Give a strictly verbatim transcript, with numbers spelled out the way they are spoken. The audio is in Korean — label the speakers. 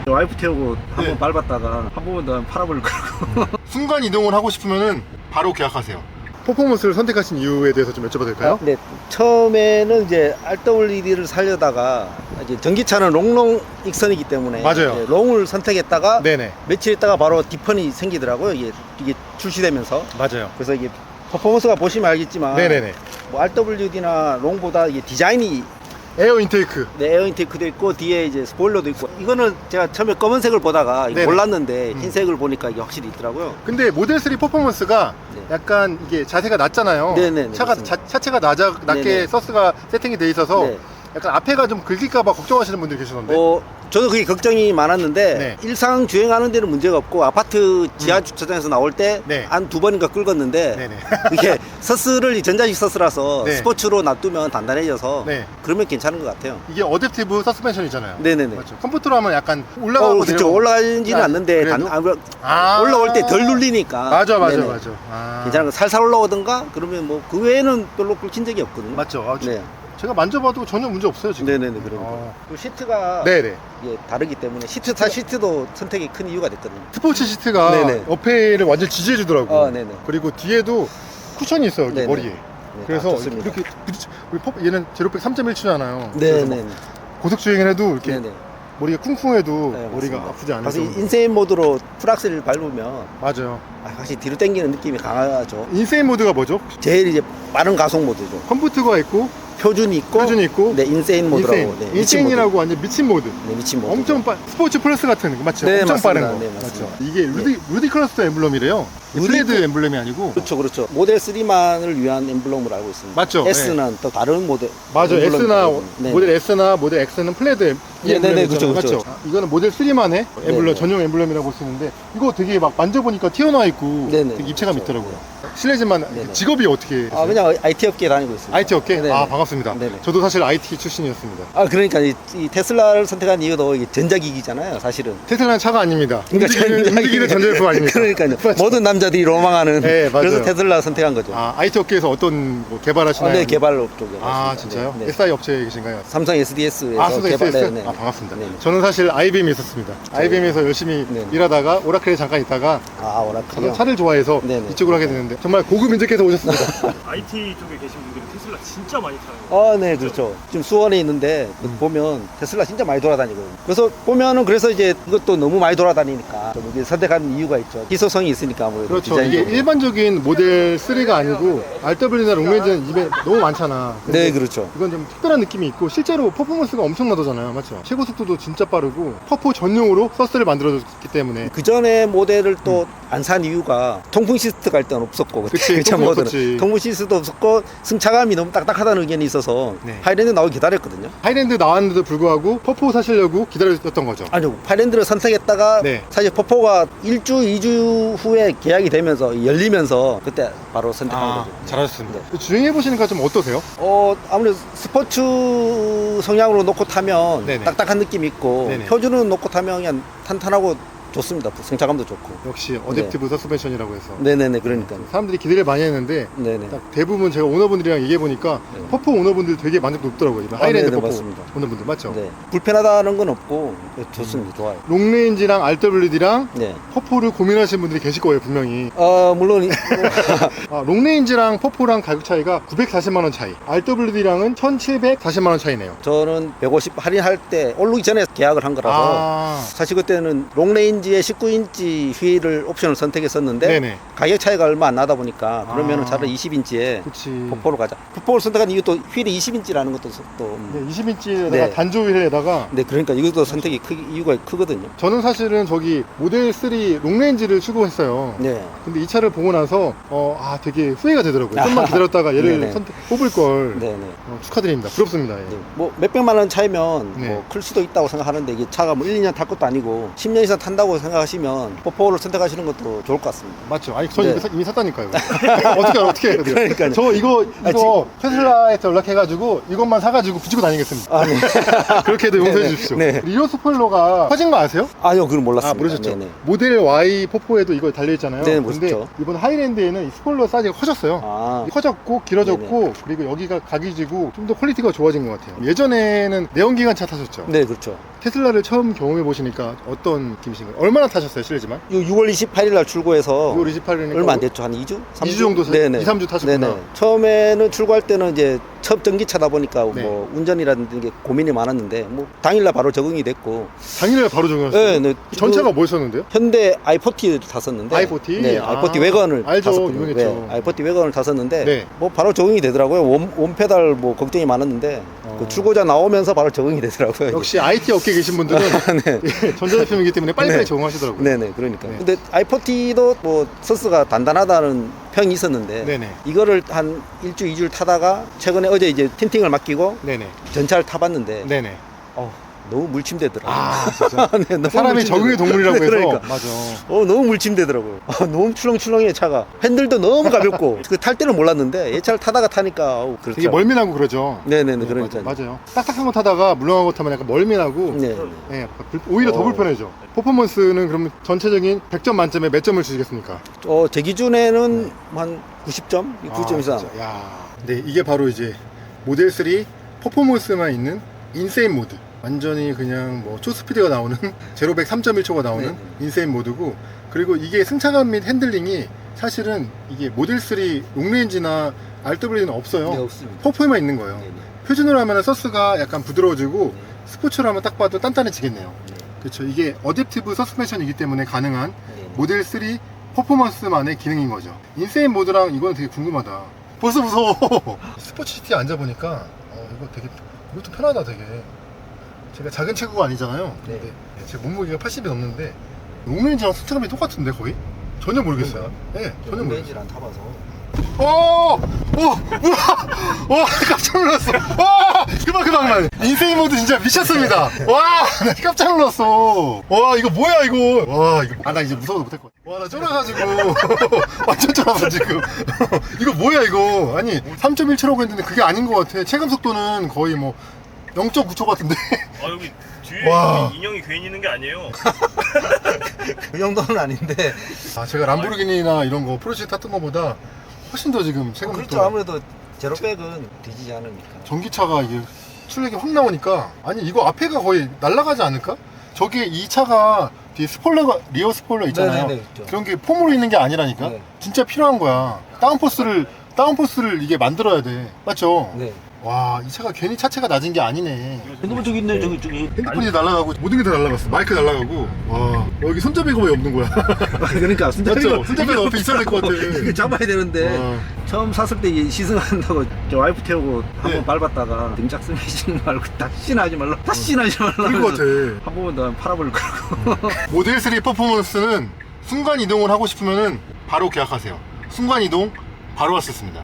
Speaker 1: 와이프 태우고 한 번
Speaker 2: 네.
Speaker 1: 밟았다가 한 번만 더 팔아버릴 거라고.
Speaker 2: 순간 이동을 하고 싶으면은 바로 계약하세요. 퍼포먼스를 선택하신 이유에 대해서 좀 여쭤봐도 될까요?
Speaker 1: 네, 처음에는 이제 알더블유디를 살려다가 이제 전기차는 롱롱 익선이기 때문에
Speaker 2: 맞아요.
Speaker 1: 이제 롱을 선택했다가
Speaker 2: 네네.
Speaker 1: 며칠 있다가 바로 디펀이 생기더라고요. 이게 이게 출시되면서.
Speaker 2: 맞아요.
Speaker 1: 그래서 이게 퍼포먼스가 보시면 알겠지만
Speaker 2: 네네네.
Speaker 1: 뭐 알더블유디나 롱보다 이게 디자인이
Speaker 2: 에어 인테이크.
Speaker 1: 네, 에어 인테이크도 있고 뒤에 이제 스포일러도 있고, 이거는 제가 처음에 검은색을 보다가 이거
Speaker 2: 네네.
Speaker 1: 몰랐는데
Speaker 2: 음.
Speaker 1: 흰색을 보니까 이게 확실히 있더라고요.
Speaker 2: 근데 모델 쓰리 퍼포먼스가
Speaker 1: 네.
Speaker 2: 약간 이게 자세가 낮잖아요.
Speaker 1: 네네네,
Speaker 2: 차가
Speaker 1: 맞습니다.
Speaker 2: 자, 차체가 낮아, 낮게
Speaker 1: 네네.
Speaker 2: 서스가 세팅이 돼 있어서
Speaker 1: 네.
Speaker 2: 약간 앞에가 좀 긁힐까봐 걱정하시는 분들이 계시던데.
Speaker 1: 어, 저도 그게 걱정이 많았는데
Speaker 2: 네.
Speaker 1: 일상 주행하는 데는 문제가 없고, 아파트 지하 주차장에서 나올 때
Speaker 2: 네.
Speaker 1: 한 두 번인가 긁었는데
Speaker 2: 네네.
Speaker 1: 이게 서스를 전자식 서스라서
Speaker 2: 네.
Speaker 1: 스포츠로 놔두면 단단해져서
Speaker 2: 네.
Speaker 1: 그러면 괜찮은 것 같아요.
Speaker 2: 이게 어댑티브 서스펜션이잖아요.
Speaker 1: 네네네.
Speaker 2: 맞죠. 컴포트로 하면 약간
Speaker 1: 어,
Speaker 2: 올라가고
Speaker 1: 그렇죠.
Speaker 2: 내려가고.
Speaker 1: 올라가지는
Speaker 2: 아,
Speaker 1: 않는데 단,
Speaker 2: 그래도?
Speaker 1: 아,
Speaker 2: 아.
Speaker 1: 올라올 때 덜 눌리니까.
Speaker 2: 맞아 맞아
Speaker 1: 네네.
Speaker 2: 맞아. 아.
Speaker 1: 괜찮은 거, 살살 올라오든가 그러면 뭐 그 외에는 별로 긁힌 적이 없거든요.
Speaker 2: 맞죠. 아, 저-
Speaker 1: 네.
Speaker 2: 제가 만져봐도 전혀 문제 없어요 지금.
Speaker 1: 네네네. 그러니까.
Speaker 2: 어.
Speaker 1: 그 시트가
Speaker 2: 네네.
Speaker 1: 이게 다르기 때문에 시트 타 시트도 선택이 큰 이유가 됐거든요.
Speaker 2: 스포츠 시트가
Speaker 1: 네네.
Speaker 2: 어페이를 완전 지지해 주더라고.
Speaker 1: 아, 네네.
Speaker 2: 그리고 뒤에도 쿠션이 있어요 여기
Speaker 1: 네네.
Speaker 2: 머리에.
Speaker 1: 네,
Speaker 2: 그래서
Speaker 1: 아, 좋습니다.
Speaker 2: 이렇게 부딪- 우리 퍼- 얘는 제로백 삼 점 일 치잖아요.
Speaker 1: 네네.
Speaker 2: 고속 주행을 해도 이렇게
Speaker 1: 네네.
Speaker 2: 머리가 쿵쿵해도
Speaker 1: 네,
Speaker 2: 머리가
Speaker 1: 맞습니다.
Speaker 2: 아프지 않아서.
Speaker 1: 사실 인세인 모드로 풀악셀을 밟으면
Speaker 2: 맞아요.
Speaker 1: 아, 확실히 뒤로 당기는 느낌이 강하죠.
Speaker 2: 인세인 모드가 뭐죠?
Speaker 1: 제일 이제 빠른 가속 모드죠.
Speaker 2: 컴포트가 있고
Speaker 1: 표준이 있고,
Speaker 2: 표준이 있고
Speaker 1: 네, 인세인 모드라고.
Speaker 2: 인세인.
Speaker 1: 네, 미친
Speaker 2: 인세인이라고 완전 미친 모드.
Speaker 1: 모드. 네, 미친 모드.
Speaker 2: 엄청 빠 스포츠 플러스 같은 거 맞죠?
Speaker 1: 네,
Speaker 2: 엄청
Speaker 1: 맞습니다.
Speaker 2: 빠른 거
Speaker 1: 네,
Speaker 2: 맞죠?
Speaker 1: 맞습니다.
Speaker 2: 이게 루디 루디크러스 엠블럼이래요.
Speaker 1: 루디-
Speaker 2: 플레드 엠블럼이 아니고.
Speaker 1: 그렇죠, 그렇죠. 모델 쓰리만을 위한 엠블럼으로 알고 있습니다.
Speaker 2: 맞죠?
Speaker 1: S는 또 다른 모델.
Speaker 2: 맞아.
Speaker 1: 엠블럼이
Speaker 2: S나
Speaker 1: 있거든요. 네.
Speaker 2: 모델 S나 모델 X는 플레드 엠- 이
Speaker 1: 네, 네, 네,
Speaker 2: 엠블럼이잖아요.
Speaker 1: 그렇죠, 그렇죠.
Speaker 2: 맞죠? 아, 이거는 모델 쓰리만의 엠블럼
Speaker 1: 네, 네.
Speaker 2: 전용 엠블럼이라고 볼 수 있는데 이거 되게 막 만져보니까 튀어나와 있고
Speaker 1: 네, 네,
Speaker 2: 되게 입체감
Speaker 1: 그렇죠.
Speaker 2: 있더라고요. 실례지만
Speaker 1: 네, 네.
Speaker 2: 직업이 어떻게
Speaker 1: 아,
Speaker 2: 되세요?
Speaker 1: 그냥 아이티 업계에 다니고 있습니다.
Speaker 2: 아이티 업계?
Speaker 1: 네,
Speaker 2: 아
Speaker 1: 네.
Speaker 2: 반갑습니다.
Speaker 1: 네, 네.
Speaker 2: 저도 사실 아이티 출신이었습니다.
Speaker 1: 아, 그러니까 이, 이 테슬라를 선택한 이유도 이게 전자기기잖아요, 사실은.
Speaker 2: 테슬라는 차가 아닙니다.
Speaker 1: 그러니까
Speaker 2: 움직이는,
Speaker 1: 전자기기-
Speaker 2: 움직이는 전자제품 아닙니까?
Speaker 1: 그러니까요.
Speaker 2: 맞죠?
Speaker 1: 모든 남자들이 로망하는.
Speaker 2: 네, 맞아요.
Speaker 1: 그래서 테슬라 선택한 거죠.
Speaker 2: 아, 아이티 업계에서 어떤 뭐 개발하시나요?
Speaker 1: 아, 네, 개발업 쪽에.
Speaker 2: 아, 진짜요? 에스아이 업체에 계신가요?
Speaker 1: 삼성 에스디에스에서
Speaker 2: 아, 수도
Speaker 1: 개발.
Speaker 2: 에스에스?
Speaker 1: 네, 네.
Speaker 2: 아, 반갑습니다.
Speaker 1: 네, 네.
Speaker 2: 저는 사실 아이비엠에 있었습니다. 아이비엠에서 열심히
Speaker 1: 네, 네.
Speaker 2: 일하다가 오라클에 잠깐 있다가
Speaker 1: 아, 오라클이요.
Speaker 2: 저는 차를 좋아해서
Speaker 1: 네, 네.
Speaker 2: 이쪽으로 하게 되는데 정말 고급 인재께서 오셨습니다.
Speaker 3: 아이티 쪽에 계신 분들은 테슬라 진짜 많이 타는 거.
Speaker 1: 아, 네, 그렇죠. 지금 수원에 있는데 그
Speaker 2: 음.
Speaker 1: 보면 테슬라 진짜 많이 돌아다니거든요. 그래서 보면은 그래서 이제 이것도 너무 많이 돌아다니니까 좀 이게 선택한 이유가 있죠. 희소성이 있으니까 아무래도.
Speaker 2: 그렇죠. 이게
Speaker 1: 디자인적으로.
Speaker 2: 일반적인 모델 쓰리가 아니고 알더블유나 롱레인지는 입에 너무 많잖아. 근데
Speaker 1: 네, 그렇죠.
Speaker 2: 이건 좀 특별한 느낌이 있고 실제로 퍼포먼스가 엄청나잖아요. 맞죠? 최고 속도도 진짜 빠르고 퍼포 전용으로 서스를 만들어줬기 때문에
Speaker 1: 그 전에 모델을 또 안 산 이유가 통풍 시스트가 일단 없었고,
Speaker 2: 음. 그치,
Speaker 1: 그 전
Speaker 2: 통풍
Speaker 1: 모델은.
Speaker 2: 없었지.
Speaker 1: 통풍 시스트도 없었고 승차감이 너무 딱딱하다는 의견이 있어서
Speaker 2: 네.
Speaker 1: 하이랜드 나오기 기다렸거든요.
Speaker 2: 하이랜드 나왔는데도 불구하고 퍼포 사시려고 기다렸던 거죠.
Speaker 1: 아니요, 하이랜드를 선택했다가
Speaker 2: 네.
Speaker 1: 사실 퍼포가 일 주, 이 주 후에 계약이 되면서 열리면서 그때 바로 선택한
Speaker 2: 아,
Speaker 1: 거죠.
Speaker 2: 잘하셨습니다. 주행해 보시니까 좀 어떠세요?
Speaker 1: 어, 아무래도 스포츠 성향으로 놓고 타면
Speaker 2: 네네.
Speaker 1: 딱딱한 느낌이 있고,
Speaker 2: 네네.
Speaker 1: 표준으로 놓고 타면 그냥 탄탄하고 좋습니다. 승차감도 좋고.
Speaker 2: 역시 어댑티브 서스펜션이라고 해서
Speaker 1: 네네네, 그러니까요.
Speaker 2: 사람들이 기대를 많이 했는데
Speaker 1: 네네.
Speaker 2: 딱 대부분 제가 오너분들이랑 얘기해 보니까
Speaker 1: 네.
Speaker 2: 퍼포 오너분들 되게 만족도 높더라고요. 이번
Speaker 1: 아,
Speaker 2: 하이랜드
Speaker 1: 네네,
Speaker 2: 퍼포
Speaker 1: 맞습니다.
Speaker 2: 오너분들 맞죠?
Speaker 1: 네. 불편하다는 건 없고, 좋습니다. 좋아요.
Speaker 2: 롱레인지랑 알더블유디랑
Speaker 1: 네.
Speaker 2: 퍼포를 고민하시는 분들이 계실 거예요 분명히.
Speaker 1: 어, 물론, 이-
Speaker 2: 아, 롱레인지랑 퍼포랑 가격 차이가 구백사십만 원 차이, 알더블유디랑은 천칠백사십만 원 차이네요.
Speaker 1: 저는 백오십 할인할 때, 오르기 전에 계약을 한 거라서,
Speaker 2: 아,
Speaker 1: 사실 그때는 롱레인지에 십구 인치 휠을 옵션을 선택했었는데,
Speaker 2: 네네.
Speaker 1: 가격 차이가 얼마 안 나다 보니까 그러면은
Speaker 2: 아.
Speaker 1: 차라리 이십 인치에
Speaker 2: 그치.
Speaker 1: 퍼포를 가자. 퍼포를 선택한 이유도 휠이 이십 인치라는 것도 또.
Speaker 2: 네, 이십 인치에다가
Speaker 1: 네.
Speaker 2: 단조 휠에다가
Speaker 1: 네, 그러니까 이것도 선택이 크, 이유가 크거든요.
Speaker 2: 저는 사실은 저기 모델 쓰리 롱레인지를 추구했어요.
Speaker 1: 네.
Speaker 2: 근데 이 차를 보고 나서 어, 아 되게 후회가 되더라고요. 좀만 기다렸다가 얘를
Speaker 1: 네네.
Speaker 2: 선택, 뽑을 걸.
Speaker 1: 네, 네.
Speaker 2: 어, 축하드립니다. 부럽습니다. 예.
Speaker 1: 네. 뭐 몇백만 원 차이면
Speaker 2: 네.
Speaker 1: 뭐 클 수도 있다고 생각하는데, 이게 차가 뭐 일, 이 년 탈 것도 아니고 십 년 이상 탄다고 한다고 생각하시면 포포를 선택하시는 것도 좋을 것 같습니다.
Speaker 2: 맞죠? 아니 전
Speaker 1: 네.
Speaker 2: 이거 사- 이미 샀다니까요. 어떻게 알아, 어떻게 해요?
Speaker 1: 그러니까요.
Speaker 2: 저 이거
Speaker 1: 아,
Speaker 2: 이거 테슬라에서 연락해가지고 이것만 사가지고 붙이고 다니겠습니다.
Speaker 1: 아, 네.
Speaker 2: 그렇게도 용서해
Speaker 1: 네네.
Speaker 2: 주십시오.
Speaker 1: 네.
Speaker 2: 리오 스포일러가 커진 거 아세요?
Speaker 1: 아니요, 그건 몰랐습니다.
Speaker 2: 아 모르셨죠?
Speaker 1: 네네.
Speaker 2: 모델 Y 포포에도 이거 달려있잖아요.
Speaker 1: 네,
Speaker 2: 근데
Speaker 1: 멋있죠.
Speaker 2: 이번 하이랜드에는 이 스포일러 사이즈가 커졌어요.
Speaker 1: 아,
Speaker 2: 커졌고 길어졌고 그리고 여기가 각이 지고 좀 더 퀄리티가 좋아진 것 같아요. 예전에는 내연기관차 타셨죠?
Speaker 1: 네, 그렇죠.
Speaker 2: 테슬라를 처음 경험해 보시니까 어떤 느낌이신가요? 얼마나 타셨어요, 실례지만?
Speaker 1: 이 유월 이십팔일 날 출고해서
Speaker 2: 유월 이십팔일이니까
Speaker 1: 얼마 안 됐죠. 한 이 주? 삼
Speaker 2: 이 주 정도 사-
Speaker 1: 네네.
Speaker 2: 이, 삼 주 타셨구나.
Speaker 1: 네네. 처음에는 출고할 때는 이제 첫 전기차다 보니까
Speaker 2: 네.
Speaker 1: 뭐 운전이라든지 이게 고민이 많았는데 뭐 당일날 바로 적응이 됐고.
Speaker 2: 당일날 바로 적용하셨어요?
Speaker 1: 네, 네.
Speaker 2: 전차가
Speaker 1: 그
Speaker 2: 뭐였었는데요?
Speaker 1: 현대 아이포티를 탔었는데.
Speaker 2: 아이 포티?
Speaker 1: 네,
Speaker 2: 아,
Speaker 1: 아이포티 외건을
Speaker 2: 알죠.
Speaker 1: 탔었거든요.
Speaker 2: 유명했죠.
Speaker 1: 네, 아이포티 외건을 탔었는데
Speaker 2: 네.
Speaker 1: 뭐 바로 적응이 되더라고요. 원, 원페달 뭐 걱정이 많았는데
Speaker 2: 어.
Speaker 1: 그 출고자 나오면서 바로 적응이 되더라고요.
Speaker 2: 역시 아이티 업계에 계신 분들은
Speaker 1: 네.
Speaker 2: 예, 전자제품이기 때문에 빨리빨리
Speaker 1: 네.
Speaker 2: 적응하시더라고요.
Speaker 1: 네네, 그러니까.
Speaker 2: 네.
Speaker 1: 근데 아이포티도 뭐 서스가 단단하다는 평이 있었는데
Speaker 2: 네네.
Speaker 1: 이거를 한 일주, 이주를 타다가 최근에 어제 이제 틴팅을 맡기고
Speaker 2: 네네.
Speaker 1: 전차를 타봤는데
Speaker 2: 네네.
Speaker 1: 어, 너무 물침되더라고요.
Speaker 2: 아, 진짜.
Speaker 1: 네, 너무
Speaker 2: 사람이
Speaker 1: 물침되더라고요.
Speaker 2: 적응의 동물이라고
Speaker 1: 네,
Speaker 2: 해서.
Speaker 1: 그러니까.
Speaker 2: 맞아.
Speaker 1: 어, 너무 물침되더라고요. 아, 너무 출렁출렁해 차가. 핸들도 너무 가볍고 그 탈 때는 몰랐는데 이 차를 타다가 타니까 어우, 그렇죠.
Speaker 2: 되게 멀미나고 그러죠.
Speaker 1: 네네네,
Speaker 2: 네,
Speaker 1: 그러니까.
Speaker 2: 맞아요. 맞아요. 딱딱한 거 타다가 물렁한 거 타면 약간 멀미나고
Speaker 1: 네.
Speaker 2: 예, 불- 오히려 더
Speaker 1: 어.
Speaker 2: 불편해져. 퍼포먼스는 그러면 전체적인 백 점 만점에 몇 점을 주시겠습니까?
Speaker 1: 어, 제 기준에는 한 구십 점? 구십 점
Speaker 2: 아,
Speaker 1: 이상.
Speaker 2: 진짜. 야. 네, 이게 바로 이제 모델 삼 퍼포먼스만 있는 인세인 모드. 완전히 그냥 뭐 초스피드가 나오는 제로백 삼 점 일 초가 나오는
Speaker 1: 네.
Speaker 2: 인세인 모드고, 그리고 이게 승차감 및 핸들링이 사실은 이게 모델 삼 롱레인지나 알더블유는 없어요.
Speaker 1: 네, 없습니다.
Speaker 2: 퍼포에만 있는 거예요.
Speaker 1: 네네.
Speaker 2: 표준으로 하면 서스가 약간 부드러워지고
Speaker 1: 네.
Speaker 2: 스포츠로 하면 딱 봐도 단단해지겠네요.
Speaker 1: 네.
Speaker 2: 그렇죠. 이게 어댑티브 서스펜션이기 때문에 가능한
Speaker 1: 네네.
Speaker 2: 모델 삼 퍼포먼스만의 기능인 거죠. 인세인 모드랑 이거는 되게 궁금하다. 벌써 무서워. 스포츠 시티에 앉아보니까 어, 이거 되게 이것도 편하다 되게. 제가 작은 체구가 아니잖아요.
Speaker 1: 네.
Speaker 2: 근데 제 몸무게가 팔십이 넘는데 롱레인지랑 승차감이 똑같은데 거의? 전혀 모르겠어요. 네, 전혀 모르겠어요.
Speaker 1: 렌즈를 안 타봐서.
Speaker 2: 오! 오! 우와! 와! 깜짝 놀랐어! 와! 그만 그만 그만! 인세인 모드 진짜 미쳤습니다! 와! 나 깜짝 놀랐어! 와 이거 뭐야 이거! 와 이거 아 나 이제 무서워서 못할 것 같아. 와 나 쫄아가지고 완전 쫄아서 지금 이거 뭐야 이거! 아니 삼 점 일 초라고 했는데 그게 아닌 것 같아. 체감 속도는 거의 뭐 영 점 구 초 같은데.
Speaker 3: 아 여기 뒤에
Speaker 2: 와.
Speaker 3: 인형이 괜히 있는 게 아니에요.
Speaker 1: 그 정도는 아닌데.
Speaker 2: 아 제가 람보르기니나 이런 거 포르쉐 탔던 거보다 훨씬 더 지금 체감
Speaker 1: 그렇죠.
Speaker 2: 속도가
Speaker 1: 아무래도 제로백은 뒤지지 않으니까.
Speaker 2: 전기차가 이게 출력이 확 나오니까, 아니 이거 앞에가 거의 날아가지 않을까? 저기 이 차가 뒤에 스포일러가 리어 스포일러 있잖아요.
Speaker 1: 네네네, 있죠.
Speaker 2: 그런 게 폼으로 있는 게 아니라니까.
Speaker 1: 네.
Speaker 2: 진짜 필요한 거야. 다운포스를 다운포스를 이게 만들어야 돼. 맞죠?
Speaker 1: 네.
Speaker 2: 와, 이 차가 괜히 차체가 낮은 게 아니네.
Speaker 1: 핸드폰 저기 있네, 저기, 저기.
Speaker 2: 핸드폰이 날아가고 모든 게 다 날아갔어. 마이크 날아가고. 와, 여기 손잡이가 왜 없는 거야?
Speaker 1: 그러니까,
Speaker 2: 맞죠? 손잡이가 옆에 있어야 될 것 같아.
Speaker 1: 이거 잡아야 되는데.
Speaker 2: 와.
Speaker 1: 처음 샀을 때 이 시승한다고 저 와이프 태우고 한 번
Speaker 2: 네.
Speaker 1: 밟았다가 등짝 스매싱 말고 다시는 하지 말라. 다시는 하지 말라.
Speaker 2: 그럴 것 같아.
Speaker 1: 한 번만 더 팔아버릴 거라고.
Speaker 2: 모델 삼 퍼포먼스는 순간 이동을 하고 싶으면은 바로 계약하세요. 순간 이동 바로 왔었습니다.